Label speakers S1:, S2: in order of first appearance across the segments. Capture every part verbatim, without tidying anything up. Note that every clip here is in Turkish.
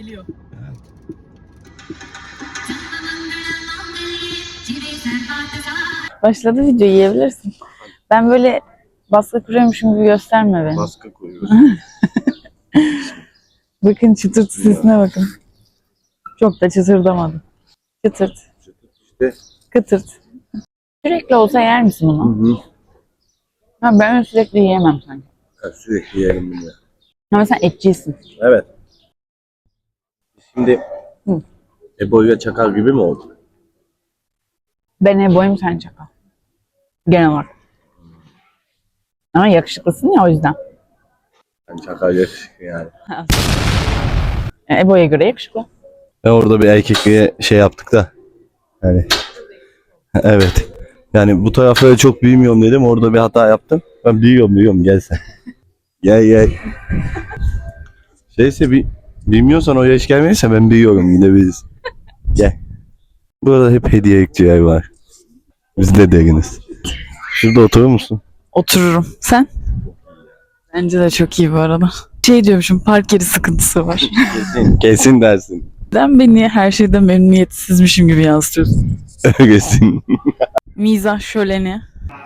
S1: geliyor. Başladı video, yiyebilirsin. Ben böyle baskı kuruyormuşum gibi gösterme beni.
S2: Baskı koyuyorsun.
S1: Bakın çıtırt sesine bakın. Çok da çıtırdamadım. Çıtırt.
S2: İşte.
S1: Kıtırt. Sürekli olsa yer misin bunu?
S2: Hı hı.
S1: Ha, ben öyle sürekli yiyemem sanki.
S2: Ha, sürekli yerim bunu.
S1: Ama sen etçisin.
S2: Evet. Şimdi
S1: Hı.
S2: Ebo ile Çakal gibi mi oldu?
S1: Ben Ebo'yum, sen Çakal. Genel olarak. Ama yakışıklısın ya, o yüzden.
S2: Ben Çakal yakışıklı yani.
S1: Yani Ebo'ya göre yakışıklı.
S2: Ve orada bir erkekliğe şey yaptık da. Yani. Evet. Yani bu tarafları çok büyümüyorum dedim. Orada bir hata yaptım. Ben büyüyorum büyüyorum gel sen. Gel gel. Şeyse bir bilmiyorsan o yaş gelmediyse ben büyüyorum, gidebiliriz. Gel. Burada hep hediyelikçiler var. Biz de deriniz. Şurada oturur musun?
S1: Otururum. Sen? Bence de çok iyi bu arada. Şey diyormuşum, park yeri sıkıntısı var.
S2: Kesin. Kesin dersin.
S1: Neden beni her şeyden memnuniyetsizmişim gibi yansıtıyorsun?
S2: Kesin.
S1: Mizah şöleni.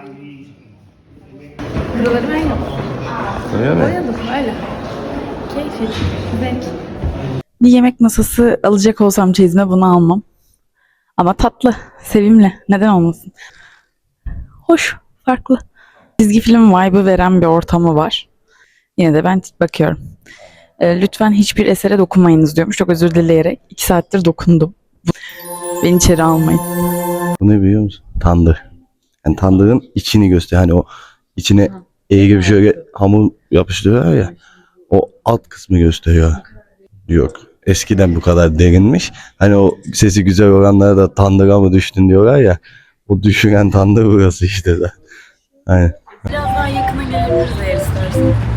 S1: Buraları ben yaptım.
S2: Öyle mi?
S1: Boyadım öyle. Keyifli. Zevk. Bir yemek masası alacak olsam çeyizime bunu almam. Ama tatlı, sevimli. Neden olmasın? Hoş, farklı. Çizgi film vibe'ı veren bir ortamı var. Yine de ben bakıyorum. E, lütfen hiçbir esere dokunmayınız diyormuş. Çok özür dileyerek iki saattir dokundum. Beni içeri almayın.
S2: Bu ne biliyor musun? Tandır. Yani tandırın içini göster. Hani o içine eğri gibi şöyle hamur yapıştırıyorlar ya. O alt kısmı gösteriyor. Yok. Eskiden bu kadar derinmiş. Hani o sesi güzel olanlara da tandıra mı düştün diyorlar ya. O düşüren tandır burası işte de. Hani.
S1: Biraz daha yakına gelebiliriz eğer istersen.